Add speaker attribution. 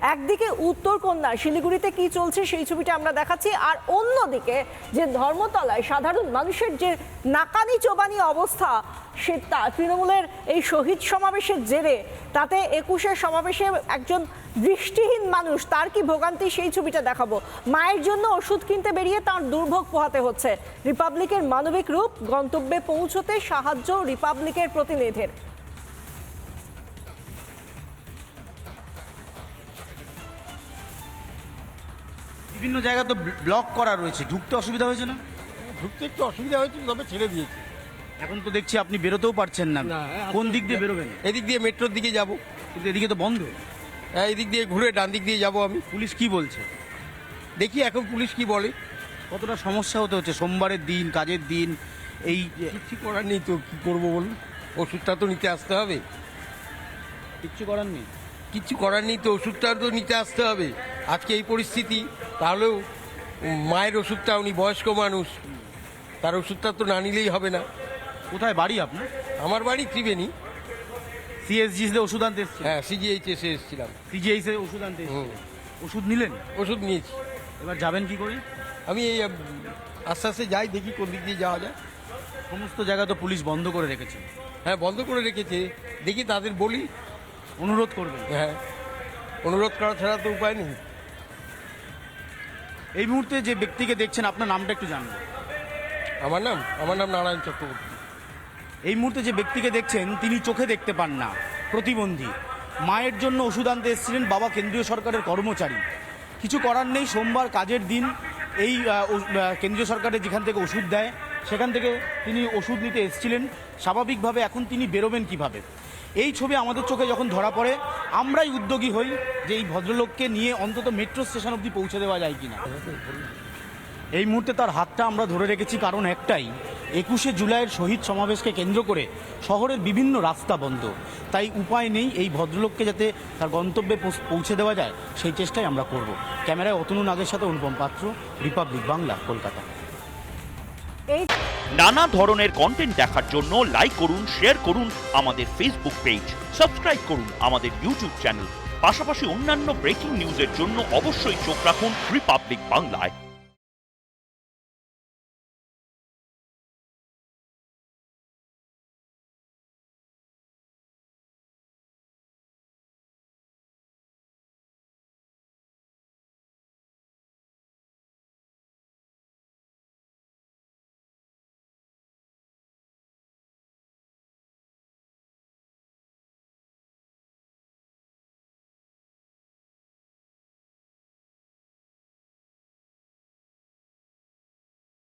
Speaker 1: একদিকে উত্তরকন্যা শিলিগুড়িতে কি চলছে সেই ছবিটা আমরা দেখাচ্ছি, আর অন্যদিকে যে ধর্মতলায় সাধারণ মানুষের যে নাকানি চোবানি অবস্থা, সে তৃণমূলের এই শহীদ সমাবেশের জেরে তাতে 21-এর সমাবেশে একজন দৃষ্টিহীন মানুষ, তার কি ভোগান্তি সেই ছবিটা দেখাবো। মায়ের জন্য ওষুধ কিনতে বেরিয়ে তার দুর্ভোগ পোহাতে হচ্ছে। রিপাবলিকের মানবিক রূপ, গন্তব্যে পৌঁছতে সাহায্য রিপাবলিকের প্রতিনিধির।
Speaker 2: বিভিন্ন জায়গা তো ব্লক করা রয়েছে, ঢুকতে অসুবিধা হয়েছে না?
Speaker 3: ঢুকতে একটু অসুবিধা হয়েছিল, তবে ছেড়ে দিয়েছি।
Speaker 2: এখন তো দেখছি আপনি বেরোতেও পারছেন না। কোন দিক দিয়ে বেরোবেন?
Speaker 3: এদিক দিয়ে মেট্রোর দিকে যাব।
Speaker 2: কিন্তু এদিকে তো বন্ধ।
Speaker 3: হ্যাঁ, এদিক দিয়ে ঘুরে ডান দিক দিয়ে যাব আমি।
Speaker 2: পুলিশ কি বলছে?
Speaker 3: দেখি এখন পুলিশ কি বলে।
Speaker 2: কতটা সমস্যা হতে হচ্ছে, সোমবারের দিন, কাজের দিন, এই
Speaker 3: কিচ্ছু করার নেই তো, কী করবো বলুন? ওষুধটা তো নিতে আসতে হবে।
Speaker 2: কিচ্ছু করার নেই।
Speaker 3: কিচ্ছু করার নেই তো, ওষুধটা তো নিতে আসতে হবে। আজকে এই পরিস্থিতি, তাহলেও মায়ের ওষুধটা, উনি বয়স্ক মানুষ, তার ওষুধটা তো না নিলেই হবে না।
Speaker 2: কোথায় বাড়ি আপনার?
Speaker 3: আমার বাড়ি ত্রিবেণী।
Speaker 2: সিএসজি ওষুধ আনতে এসছে?
Speaker 3: হ্যাঁ, সিজিএইচ এসে এসেছিলাম।
Speaker 2: সিজিএইচ ওষুধ আনতে এসছে। ওষুধ নিলেন?
Speaker 3: ওষুধ নিয়েছি।
Speaker 2: এবার যাবেন কি করে?
Speaker 3: আমি এই আস্তে আস্তে যাই, দেখি কোন দিক দিয়ে যাওয়া যায়।
Speaker 2: সমস্ত জায়গা তো পুলিশ বন্ধ করে রেখেছে।
Speaker 3: হ্যাঁ, বন্ধ করে রেখেছে, দেখি তাদের বলি।
Speaker 2: অনুরোধ করবেন?
Speaker 3: হ্যাঁ, অনুরোধ করা ছাড়া তো উপায় নেই।
Speaker 2: এই মুহূর্তে যে ব্যক্তিকে দেখছেন, আপনার নামটা একটু জানবো।
Speaker 3: আমার নাম নারায়ণ চক্রবর্তী।
Speaker 2: এই মুহূর্তে যে ব্যক্তিকে দেখছেন, তিনি চোখে দেখতে পান না, প্রতিবন্ধী। মায়ের জন্য ওষুধ আনতে এসেছিলেন, বাবা কেন্দ্রীয় সরকারের কর্মচারী। কিছু করার নেই, সোমবার কাজের দিন। এই কেন্দ্রীয় সরকারের যেখান থেকে ওষুধ দেয়, সেখান থেকে তিনি ওষুধ নিতে এসেছিলেন। স্বাভাবিকভাবে এখন তিনি বেরোবেন কিভাবে? এই ছবি আমাদের চোখে যখন ধরা পড়ে, আমরাই উদ্যোগী হই যে এই ভদ্রলোককে নিয়ে অন্তত মেট্রো স্টেশন অবধি পৌঁছে দেওয়া যায় কিনা। এই মুহূর্তে তার হাতটা আমরা ধরে রেখেছি, কারণ একটাই, 21শে জুলাইয়ের শহীদ সমাবেশকে কেন্দ্র করে শহরের বিভিন্ন রাস্তা বন্ধ। তাই উপায় নেই, এই ভদ্রলোককে যাতে তার গন্তব্যে পৌঁছে দেওয়া যায় সেই চেষ্টাই আমরা করব। ক্যামেরায় অতনু নাগের সাথে অনুপম পাত্র, রিপাবলিক বাংলা, কলকাতা।
Speaker 4: নানা ধরনের কন্টেন্ট দেখার জন্য লাইক করুন, শেয়ার করুন আমাদের ফেসবুক পেজ, সাবস্ক্রাইব করুন আমাদের ইউটিউব চ্যানেল। পাশাপাশি অন্যান্য ব্রেকিং নিউজের জন্য অবশ্যই চোখ রাখুন রিপাবলিক বাংলায়।